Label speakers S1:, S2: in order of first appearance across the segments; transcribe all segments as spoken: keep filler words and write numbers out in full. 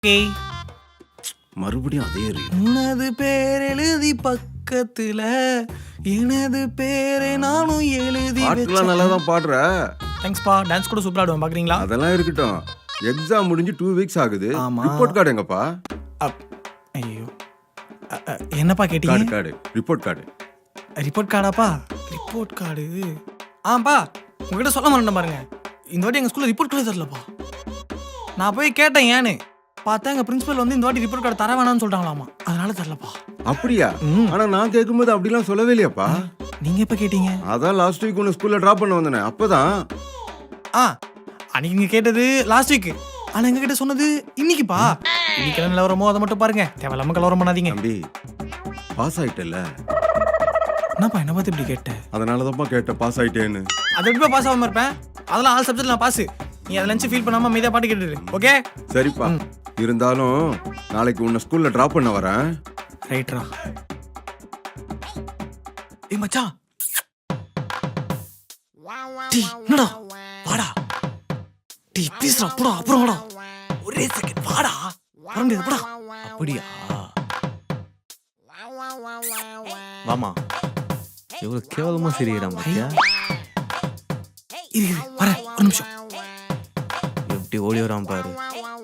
S1: Okay
S2: மறுபடியும் அதே
S1: உனது பேர் எழுதி பக்கத்துல எனது பேரை நானும் எழுதி
S2: பாட்டுலாம் நல்லா தான் பாடுற.
S1: தேங்க்ஸ்பா. டான்ஸ் கூட சூப்பரா ஆடுவேன், பாக்குறீங்களா?
S2: அதெல்லாம் இருக்கட்டும். எக்ஸாம் முடிஞ்சு டூ வீக்ஸ் ஆகுது.
S1: ஆமா.
S2: ரிப்போர்ட் கார்டு எங்கப்பா?
S1: ஐயோ அ- அ, என்னப்பா
S2: கார்டு
S1: கேட்டீங்க?
S2: Card report card.
S1: ரிப்போர்ட் கார்டாப்பா? ரிப்போர்ட் கார்டு ஆப்பா, உங்ககிட்ட சொல்ல மாட்டேன் பாருங்க. இந்த வாட்டி எங்க ஸ்கூல்ல ரிப்போர்ட் கார்டு தரலப்பா. நான் போய் கேட்டேன் ஏன்னு. பார்த்தா எங்க பிரின்சிபல் வந்து இந்த வாட்டி ரிப்போர்ட் கார்டு தர வேணாம்னு சொல்லிட்டாங்களாமா. அதனால தரலப்பா.
S2: அப்படியா?
S1: ம்.
S2: ஆனா நான் கேட்கும்போது அப்படிலாம் சொல்லவே இல்லையாப்பா.
S1: நீங்க எப்ப கேட்டீங்க?
S2: அதான் லாஸ்ட் வீக் உன்னை ஸ்கூல்ல டிராப் பண்ண வந்தேனே அப்பதான்.
S1: ஆ அன்னைக்கு நீங்க கேட்டது லாஸ்ட் வீக். ஆனா எங்க கிட்ட சொன்னது இன்னைக்குப்பா. இன்னைக்கு என்ன நிலவரமோ அதை மட்டும் பாருங்க. தேவையில்லாம கலவரம் பண்ணாதீங்க.
S2: தம்பி பாஸ் ஆயிட்டல,
S1: என்னப்பா என்ன பார்த்து இப்படி கேட்ட?
S2: அதனாலதான்ப்பா கேட்ட பாஸ் ஆயிட்டேன்னு.
S1: அது எப்படிப்பா பாஸ் ஆகாம இருப்பேன்? அதெல்லாம் ஆல் சப்ஜெக்ட் நான் பாஸ். நீ அதை நினைச்சு ஃபீல் பண்ணாம மீதா பாட்டு கேட்டுரு. ஓகே
S2: சரிப்பா. இருந்தாலும் நாளைக்கு உன்னை ஸ்கூல்ல டிராப் பண்ண வரேன்.
S1: ரைட்ரா. ஏய் மச்சான், டீ என்னடா? வாடா டீ பீஸ்ரா. போடா அப்புறம் வாடா. ஒரே செகண்ட் வாடா. வர முடியாது போடா.
S3: அப்படியா? வாமா, எவ்வளவு கேவலமா சிரிக்கிறான் பாத்தியா?
S1: இரு இரு வரேன் ஒரு நிமிஷம்.
S3: எப்படி ஓடி வரான் பாரு.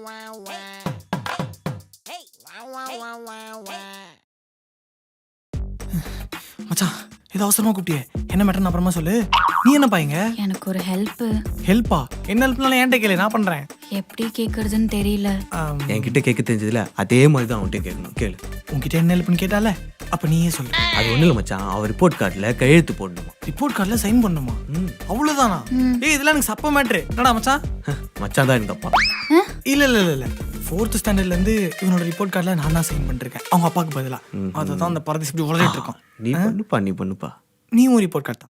S1: மச்சான் ஏதோ அவசரமா கூப்பிட்டியே, என்ன மேட்டர்னு அப்புறமா சொல்லு. நீ என்ன பாயங்க?
S4: எனக்கு ஒரு ஹெல்ப்.
S1: ஹெல்ப்பா? என்ன ஹெல்ப்னாலும் என்கிட்ட கேளு, நான் பண்றேன்.
S4: எப்படி கேக்குறதுன்னு தெரியல.
S1: ஆம்,
S3: என்கிட்ட கேட்க தெரிஞ்சதுல அதே மாதிரி தான் அவன்கிட்ட கேட்கணும். கேளு.
S1: உன்கிட்ட என்ன ஹெல்ப்னு கேட்டால அப்ப நீயே சொல்லு.
S3: அது ஒண்ணு இல்ல மச்சான், அவன் ரிப்போர்ட் கார்டுல கையெழுத்து போடணுமா.
S1: ரிப்போர்ட் கார்டுல சைன் பண்ணுமா?
S3: ம்.
S1: அவ்வளவுதானா? ஏய் இதெல்லாம் எனக்கு சப்ப மேட்ரு. என்னடா மச்சான்?
S3: மச்சான் தான் எனக்கு அப்பா.
S1: இல்ல இல்ல இல்ல இல்ல ஃபோர்த் ஸ்டாண்டர்ட்ல இருந்து இவனோட ரிப்போர்ட் கார்டுல நான் தான் சைன் பண்ணிருக்கேன், அவங்க அப்பாவுக்கு பதிலா. அதுதான் அந்த பரதேசி இப்படி உளறிட்டு இருக்கான்.
S3: நீ பண்ணுப்பா, நீ பண்ணுப்பா.
S1: நீ ஒரு ரிப்போர்ட் கார்டு தான்.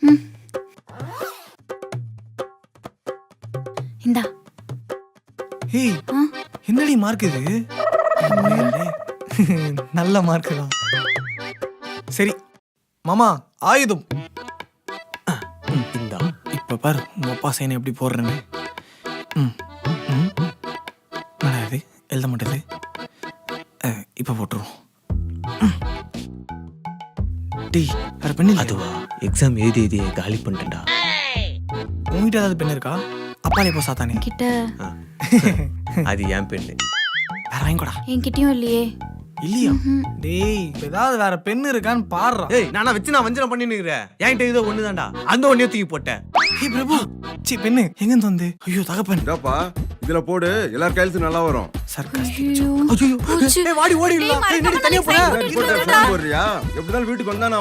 S4: இந்தா.
S1: ஏய் என்னடி மார்க் இது? உண்மையிலே நல்ல மார்க் தான். சரி மாமா, ஆயுதம்.
S3: இந்தா.
S1: இப்ப பாரு உங்க அப்பா சைனை எப்படி போடுறேன்னு. ம் ம் என்னடா இது எழுத மாட்டேது. அஹ், இப்ப போட்டுருவோம். ம். டேய் வேற பெண் இல்லையா?
S3: அதுவா, எக்ஸாம் எழுதி எழுதி காலி பண்ணிட்டேன்டா.
S1: உங்ககிட்ட ஏதாவது பெண் இருக்கா? அப்பாலே போ சாத்தானே.
S4: கிட்ட
S3: ஆ. அது ஏன் பெண்ணு.
S1: வேற வாங்கிக்கூடா.
S4: என்கிட்டயும் இல்லையே.
S1: இல்லையா? டேய் இப்ப ஏதாவது வேற பெண் இருக்கான்னு பாருடா.
S3: ஏய், நானா வச்சு நான் வஞ்சனம் பண்ணி நிக்கிறேன். என்கிட்ட இதோ ஒண்ணுதான்டா, அந்த ஒன்னையும் தூக்கி போட்டேன்.
S1: ஏய் பிரபு, சி பெண்ணு எங்க இருந்து வந்து? ஐயோ தகப்பன்.
S2: இதாப்பா இதுல போடு, எல்லார் கையெழுத்து நல்லா வரும்.
S1: சர்க்காஸ்டிக்.
S4: ஐயோ.
S1: ஐயோ
S4: போச்சு.
S1: ஏய் வாடி ஓடி இல்ல.
S4: டேய்,
S1: ஏய், என்னடி தனியா போற?
S4: மறக்காம
S2: ரிப்போர்ட் போடுறியா? எப்படினாலும் வீட்டுக்கு வந்தா நான்